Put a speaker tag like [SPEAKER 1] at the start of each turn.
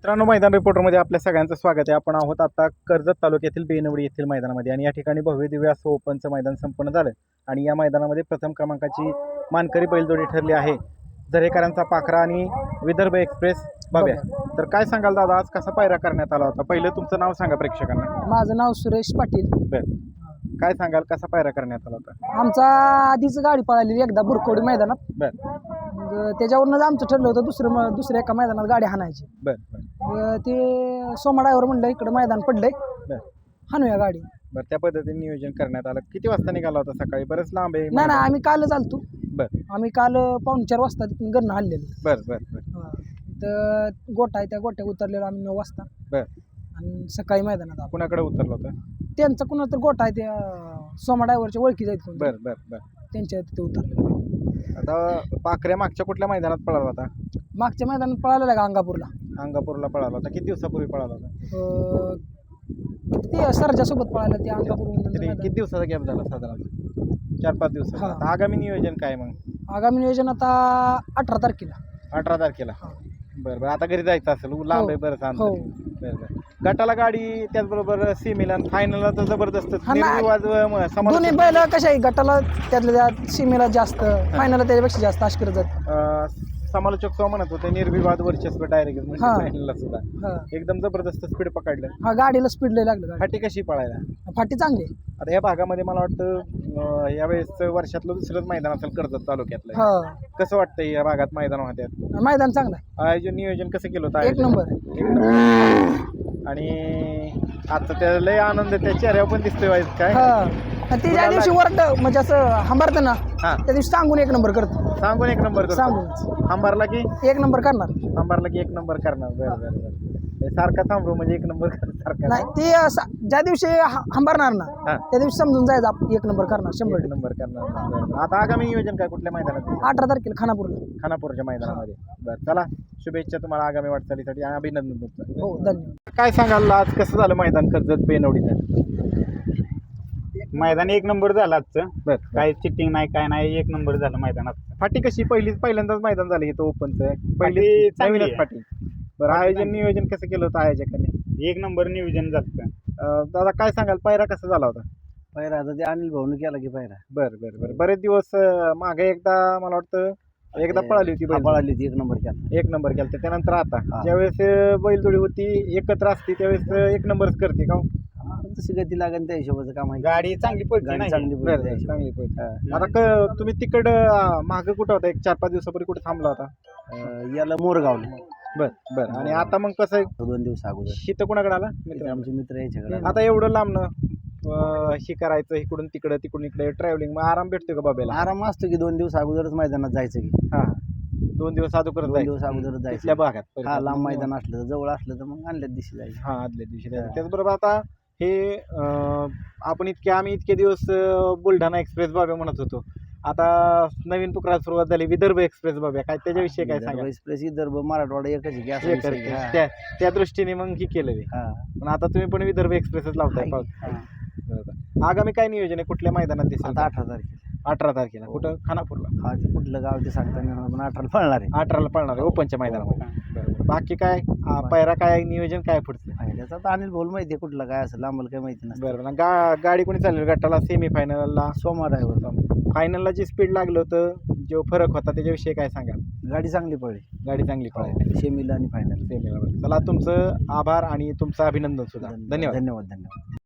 [SPEAKER 1] मित्रांनो, मैदान रिपोर्टरमध्ये आपल्या सगळ्यांचं स्वागत आहे. आपण आहोत आता कर्जत तालुक्यातील बेनवडी येथील मैदानामध्ये आणि या ठिकाणी भव्य दिव्य असं ओपनचं मैदान संपन्न झालं आणि या मैदानामध्ये प्रथम क्रमांकाची मानकरी बैलजोडी ठरली आहे झरेकरांचा पाखरा आणि विदर्भ एक्सप्रेस बाब्या. तर काय सांगाल दादा, आज कसा पायरा करण्यात आला होता? पहिलं तुमचं नाव सांगा प्रेक्षकांना.
[SPEAKER 2] माझं नाव सुरेश पाटील.
[SPEAKER 1] बरं, काय सांगाल कसा पायरा करण्यात आला होता?
[SPEAKER 2] आमचा आधीच गाडी पळालेली एकदा बुरकोडी मैदानात.
[SPEAKER 1] बरं
[SPEAKER 2] मग त्याच्यावरूनच आमचं ठरलं होतं दुसऱ्या एका मैदानात गाडी हाणायची.
[SPEAKER 1] बरं
[SPEAKER 2] मग ते सोमा ड्रायव्हर म्हणलं इकडं मैदान पडलंय,
[SPEAKER 1] बरं
[SPEAKER 2] हाणूया गाडी.
[SPEAKER 1] बरं, त्या पद्धतीने नियोजन करण्यात आलं. किती वाजता निघाला होता? सकाळी बरंच लांब आहे.
[SPEAKER 2] नाही आम्ही कालच आलतो.
[SPEAKER 1] बरं
[SPEAKER 2] आम्ही काल 4:45 वाजता तिथून गणं हल्लेलो.
[SPEAKER 1] बरं बरं बरं
[SPEAKER 2] तर गोठा आहे, त्या गोट्या उतरलेलो आम्ही 9 वाजता
[SPEAKER 1] बरं
[SPEAKER 2] आणि सकाळी मैदानात आलो.
[SPEAKER 1] कुणाकडे उतरलं होतं?
[SPEAKER 2] त्यांचा कुणा तर गोठा आहे, त्या सोमा ड्रायव्हरच्या ओळखी जायत कोण,
[SPEAKER 1] बरं बरं बरं.
[SPEAKER 2] त्यांच्या तिथे उतरलेलो.
[SPEAKER 1] आता पाखऱ्या मागच्या कुठल्या मैदानात पळाला होता?
[SPEAKER 2] मागच्या मैदानात पळालेला का अंगापूरला.
[SPEAKER 1] अंगापूरला पळाला होता. किती दिवसापूर्वी पळाला होता?
[SPEAKER 2] ते सरजासोबत पळायला ते अंगापूर.
[SPEAKER 1] तरी किती दिवसाचा गॅप झाला? साधारण 4-5 दिवस.
[SPEAKER 2] हा.
[SPEAKER 1] आता आगामी नियोजन काय मग?
[SPEAKER 2] आगामी नियोजन आता 18 तारखेला.
[SPEAKER 1] 18 तारखेला. बरं बरं, आता घरी जायचं असेल, लांब आहे बरं सांग.
[SPEAKER 2] हो.
[SPEAKER 1] बरं बरं. गटाला गाडी, त्याचबरोबर सीमेला फायनलला तर जबरदस्त
[SPEAKER 2] हा ना.
[SPEAKER 1] निर्विवाद
[SPEAKER 2] दोन्ही बैल कशा आहे, गटाला त्यातल्या त्यात सीमेला जास्त, फायनलला त्याच्यापेक्षा जास्त अशी करत जात.
[SPEAKER 1] समालोचक सो म्हणत होते निर्विवाद वर्चस्व डायरेक्ट म्हणजे
[SPEAKER 2] हा.
[SPEAKER 1] फायनलला सुद्धा
[SPEAKER 2] हा
[SPEAKER 1] एकदम जबरदस्त स्पीड पकडलं.
[SPEAKER 2] हा, गाडीला स्पीड लय लागलं. गाडी
[SPEAKER 1] फाटी कशी पळायला?
[SPEAKER 2] फाटी चांगली आहे.
[SPEAKER 1] आता या भागामध्ये मला वाटतं यावेळेस वर्षातलं दुसरंच मैदान असेल कर्जत तालुक्यातलं.
[SPEAKER 2] हा,
[SPEAKER 1] कसं वाटतंय या भागात मैदान होत्यात?
[SPEAKER 2] मैदान चांगलं आहे,
[SPEAKER 1] आयोजन नियोजन कसं केलं होतं?
[SPEAKER 2] एक नंबर.
[SPEAKER 1] एक नंबर. आणि आता त्याला लय आनंद त्या चेहऱ्यावर पण दिसतोय वाईज काय.
[SPEAKER 2] हा, आणि ते ज्या दिवशी वरड म्हणजे असं हंबारतं ना,
[SPEAKER 1] हा,
[SPEAKER 2] त्या दिवशी सांगून एक नंबर करतो.
[SPEAKER 1] सांगून एक नंबर करतो.
[SPEAKER 2] सांगून
[SPEAKER 1] अंबारला की
[SPEAKER 2] एक नंबर करणार.
[SPEAKER 1] अंबारला की एक नंबर करणार. बरं बरं बरं. हे सारखा थांबलो म्हणजे एक नंबर सारखा
[SPEAKER 2] नाही, ते ज्या दिवशी हंबारणार ना,
[SPEAKER 1] हा,
[SPEAKER 2] त्या दिवशी समजून जायचं आपण एक नंबर करणार 100%.
[SPEAKER 1] एक नंबर करणार. बरं बरं. आता आगामी नियोजन काय कुठल्या मैदानात?
[SPEAKER 2] 18 तारखेला खानापूरला.
[SPEAKER 1] खानापूरच्या मैदानामध्ये. बरं, चला शुभेच्छा तुम्हाला आगामी वाटचालीसाठी आणि अभिनंदन तुमचं.
[SPEAKER 2] हो, धन्यवाद.
[SPEAKER 1] काय सांगाल आज कसं झालं मैदान कर्जत बेनवडीचं?
[SPEAKER 3] मैदान एक नंबर झालं आजचं.
[SPEAKER 1] बरं,
[SPEAKER 3] काय चिटिंग नाही, काय नाही, एक नंबर झालं मैदानात.
[SPEAKER 1] फाटी कशी? पहिल्यांदाच मैदान झालं इथं ओपनचं.
[SPEAKER 3] फाटी
[SPEAKER 1] पहिली
[SPEAKER 3] चांगली
[SPEAKER 1] नवीनच
[SPEAKER 3] आहे.
[SPEAKER 1] फाटी. बरं, आयोजन नियोजन कसं केलं होतं आयोजकांनी?
[SPEAKER 3] एक नंबर नियोजन झालं.
[SPEAKER 1] दादा काय सांगाल, पायरा कसा झाला होता?
[SPEAKER 2] पायरा आता ते अनिल भाऊन केला की पायरा.
[SPEAKER 1] बरं बरं बरं. बरेच दिवस मागे एकदा मला वाटतं एकदा पळाली होती बैल.
[SPEAKER 2] पळाली होती, एक नंबर केला.
[SPEAKER 1] एक नंबर केला. त्यानंतर आता
[SPEAKER 2] हा.
[SPEAKER 1] ज्यावेळेस बैलजोडी होती एकत्र असते त्यावेळेस एक नंबरच करते का?
[SPEAKER 2] तशी गती लागेल त्या हिशोबाचं काम आहे.
[SPEAKER 3] गाडी चांगली पडते
[SPEAKER 2] गाडी
[SPEAKER 3] नाही.
[SPEAKER 2] चांगली
[SPEAKER 1] बरं
[SPEAKER 2] पळते त्या
[SPEAKER 1] बरं,
[SPEAKER 2] हिशोबाने.
[SPEAKER 1] चांगली पळते. आता तुम्ही तिकडं मागं कुठं होता? एक 4-5 दिवसापूर्वी कुठे थांबला होता?
[SPEAKER 2] याला मोरगावला
[SPEAKER 1] बरं बरं. आणि आता मग कसं आहे?
[SPEAKER 2] 2 दिवस अगोदर
[SPEAKER 1] इथं कुणाकडे आला? मित्र.
[SPEAKER 2] आमचे मित्र यायच्याकडे.
[SPEAKER 1] आता एवढं लांबनं हे करायचं, इकडून तिकडं तिकडून इकडे ट्रॅव्हलिंग, मग आराम भेटतो का बाबेला?
[SPEAKER 2] आराम असतो की 2 दिवस अगोदरच मैदानात जायचं की.
[SPEAKER 1] हा, 2 दिवस अगोदर
[SPEAKER 2] 2
[SPEAKER 1] जायचं
[SPEAKER 2] दिवस अगोदरच जायचं.
[SPEAKER 1] तिथल्या भागात.
[SPEAKER 2] हा, लांब मैदान असलं तर, जवळ असलं तर मग आणल्याच दिवशी जायचं.
[SPEAKER 1] हा, आदल्या दिवशी जायचं. त्याचबरोबर आता हे आम्ही इतके दिवस बुलढाणा एक्सप्रेस बाब्या म्हणत होतो. आता नवीन पुकाराला सुरुवात झाली विदर्भ एक्सप्रेस बाब्या. काय त्याच्याविषयी काय सांगा?
[SPEAKER 2] एक्सप्रेस विदर्भ मराठवाडा एकच आहे की असं विषय आहे. हा.
[SPEAKER 1] त्या दृष्टीने मग ही केलं.
[SPEAKER 2] हा.
[SPEAKER 1] पण आता तुम्ही पण विदर्भ एक्सप्रेसच लावताय.
[SPEAKER 2] हा.
[SPEAKER 1] बरोबर. आगामी काय नियोजन आहे? कुठल्या मैदानात दिसेल?
[SPEAKER 2] आता 18 तारखेला.
[SPEAKER 1] 18 तारखेला. कुठं? खानापूरला.
[SPEAKER 2] हा, ते कुठलं गाव ते सांगता नाही येणार, पण 18 पळणार आहे.
[SPEAKER 1] 18ला पळणार आहे ओपनच्या मैदानामध्ये. बरोबर. बाकी काय पायरा काय नियोजन काय पुढचं?
[SPEAKER 2] त्याचा तर अनिल भाऊ माहिती आहे कुठलं काय असेल, आम्हाला काय माहिती नसतं.
[SPEAKER 1] बरोबर. गाडी कोणी चालली गटाला? सेमीफायनलला?
[SPEAKER 2] सोमा ड्रायव्हर.
[SPEAKER 1] फायनलला जे स्पीड लागलं होतं, जो फरक होता त्याच्याविषयी काय सांगाल?
[SPEAKER 2] गाडी चांगली पडली.
[SPEAKER 1] गाडी चांगली पळाली
[SPEAKER 2] सेमीला आणि फायनल.
[SPEAKER 1] सेमीला. चला, तुमचं आभार आणि तुमचं अभिनंदन सुद्धा. धन्यवाद.
[SPEAKER 2] धन्यवाद.